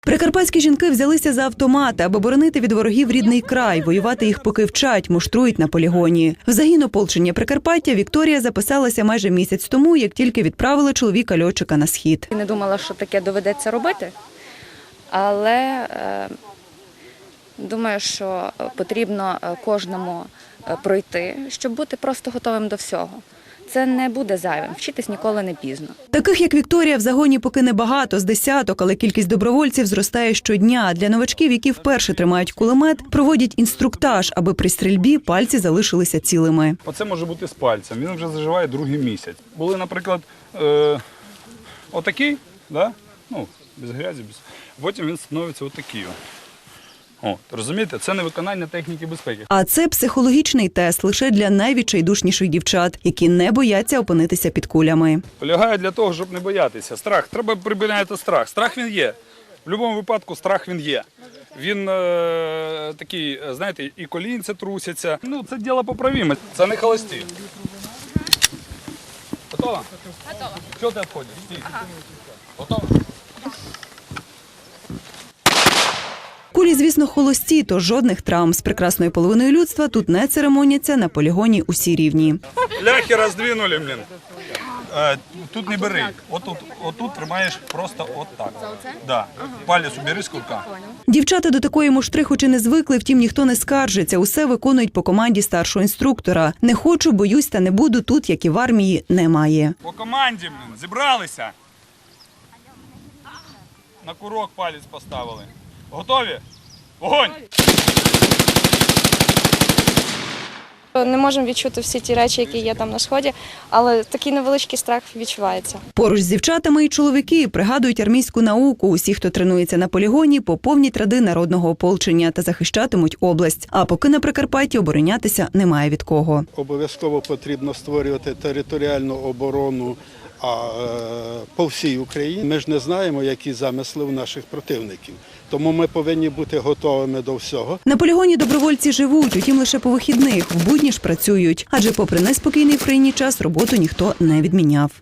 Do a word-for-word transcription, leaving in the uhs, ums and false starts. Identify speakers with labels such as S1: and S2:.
S1: Прикарпатські жінки взялися за автомати, аби боронити від ворогів рідний край. Воювати їх поки вчать, муштрують на полігоні. В загін ополчення Прикарпаття Вікторія записалася майже місяць тому, як тільки відправили чоловіка-льотчика на схід.
S2: Не думала, що таке доведеться робити, але е, думаю, що потрібно кожному пройти, щоб бути просто готовим до всього. Це не буде зайвим, вчитись ніколи не пізно.
S1: Таких, як Вікторія, в загоні поки небагато, з десяток, але кількість добровольців зростає щодня. Для новачків, які вперше тримають кулемет, проводять інструктаж, аби при стрільбі пальці залишилися цілими.
S3: Оце може бути з пальцем, він вже заживає другий місяць. Були, наприклад, е, отакий, да? Ну, без грязі, без... потім він становиться отакий. О, розумієте, це не виконання техніки безпеки.
S1: А це психологічний тест лише для найвідчайдушніших дівчат, які не бояться опинитися під кулями.
S3: Полягає для того, щоб не боятися. Страх, треба припиняти страх. Страх він є. В будь-якому випадку страх він є. Він е, такий, знаєте, і колінці трусяться. Ну, це діло поправіме. Це не холості. Готова? Готова. Чого ти відходиш? Стій. Ага. Готова?
S1: Кулі, звісно, холості, то жодних травм. З прекрасною половиною людства тут не церемоняться, на полігоні усі рівні.
S3: Ляхи роздвинули, блін. Е, тут не бери. Отут, отут тримаєш просто отак. Да. Палець убери з курка.
S1: Дівчата до такої муштри хоч і не звикли, втім ніхто не скаржиться. Усе виконують по команді старшого інструктора. Не хочу, боюсь та не буду тут, як і в армії, немає.
S3: По команді, блін, зібралися. На курок палець поставили. Готові? Вогонь!
S4: Не можемо відчути всі ті речі, які є там на сході, але такий невеличкий страх відчувається.
S1: Поруч з дівчатами і чоловіки пригадують армійську науку. Усі, хто тренується на полігоні, поповнять ряди народного ополчення та захищатимуть область. А поки на Прикарпатті оборонятися немає від кого.
S5: Обов'язково потрібно створювати територіальну оборону а, по всій Україні. Ми ж не знаємо, які замисли у наших противників. Тому ми повинні бути готовими до всього.
S1: На полігоні добровольці живуть, утім лише по вихідних, в будні ж працюють. Адже попри неспокійний в країні час роботу ніхто не відміняв.